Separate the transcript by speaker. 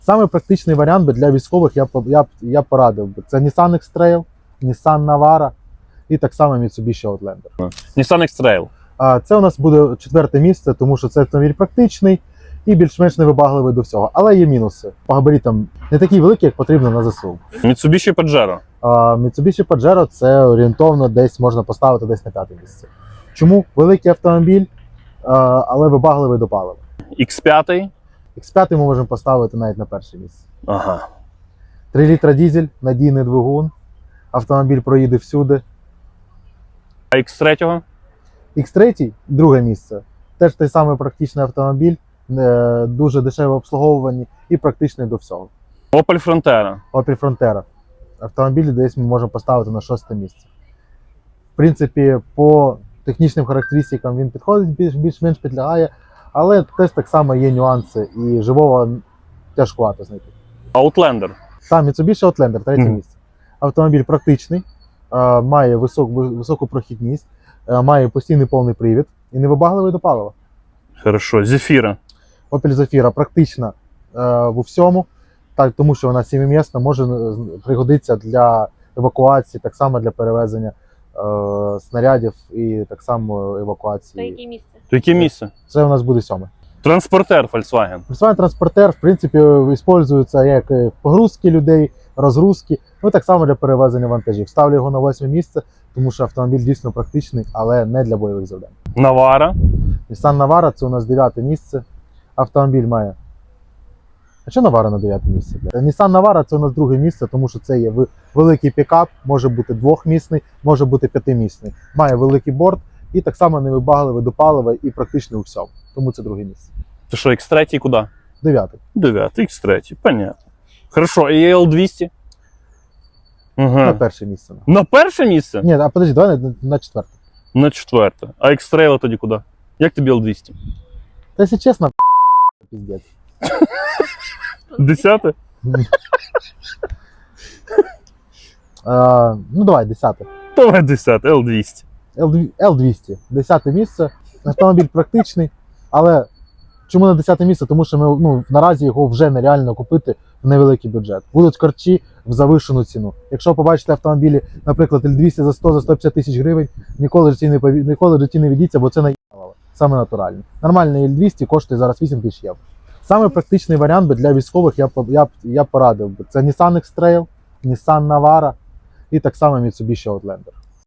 Speaker 1: Саме практичний варіант би для військових я порадив би. Це Nissan X-Trail, Nissan Navara і так само Mitsubishi Outlander.
Speaker 2: Nissan X-Trail.
Speaker 1: Це у нас буде 4-те місце, тому що це автомобіль практичний і більш-менш невибагливий до всього. Але є мінуси. По габаритам не такі великі, як потрібно на ЗСУ.
Speaker 2: Mitsubishi Pajero.
Speaker 1: Mitsubishi Pajero це орієнтовно десь можна поставити десь на 5-те місце. Чому? Великий автомобіль, але вибагливий до палива.
Speaker 2: X5.
Speaker 1: X5 ми можемо поставити навіть на 1-те місце.
Speaker 2: Ага.
Speaker 1: 3 літра дізель, надійний двигун, автомобіль проїде всюди.
Speaker 2: А X3?
Speaker 1: X3 – 2-те місце. Теж той самий практичний автомобіль, дуже дешеве обслуговування і практичний до всього.
Speaker 2: Opel Frontera.
Speaker 1: Opel Frontera. Автомобіль десь ми можемо поставити на 6-те місце. В принципі, по технічним характеристикам він підходить, більш-менш підлягає, але теж так само є нюанси і живого тяжкувато знайти.
Speaker 2: Outlander.
Speaker 1: Там Mitsubishi Outlander, 3-те місце. Автомобіль практичний, має високу прохідність, має постійний повний привід і невибагливий до палива.
Speaker 2: Хорошо. Zafira.
Speaker 1: Opel Zafira практична в всьому, так, тому що вона 7-місна, може пригодитися для евакуації, так само для перевезення снарядів і так само евакуації.
Speaker 3: То яке місце?
Speaker 2: То яке місце?
Speaker 1: Це у нас буде 7-ме.
Speaker 2: Транспортер Volkswagen.
Speaker 1: Volkswagen Transporter, в принципі, використовується як погрузки людей, розгрузки, ну так само для перевезення вантажів. Ставлю його на 8-ме місце, тому що автомобіль дійсно практичний, але не для бойових завдань.
Speaker 2: Navara.
Speaker 1: Nissan Navara – це у нас 9-те місце. Автомобіль має. А що Navara на 9-те місце? Nissan Navara – це у нас 2-те місце, тому що це є великий пікап, може бути 2-місний, може бути 5-місний. Має великий борт і так само невибагливий до палива і практичний у всьому. Тому це 2-те місце.
Speaker 2: То що, X3 куди?
Speaker 1: 9-те.
Speaker 2: 9, X3, понятно. Хорошо, і L200?
Speaker 1: На
Speaker 2: Угу.
Speaker 1: 1-те місце.
Speaker 2: На перше місце?
Speaker 1: Ні, а подожди, давай на 4-те.
Speaker 2: На 4. А X-Trail тоді куди? Як тобі L200?
Speaker 1: Та якщо чесно, піздець.
Speaker 2: 10?
Speaker 1: Ну давай, 10-те.
Speaker 2: Давай 10, L200.
Speaker 1: L200, 10-те місце. Автомобіль практичний, але чому на 10-те місце? Тому що ми наразі його вже нереально купити в невеликий бюджет. Будуть корчі в завищену ціну. Якщо побачите автомобілі, наприклад, L200 за 100-150 тисяч гривень, ніколи в житті не ведіться, бо це наїбало. Саме натуральне. Нормальний L200 коштує зараз 8 тисяч євро. Саме практичний варіант би для військових я порадив би. Це Nissan X-Trail, Nissan Navara і так само Mitsubishi Outlander.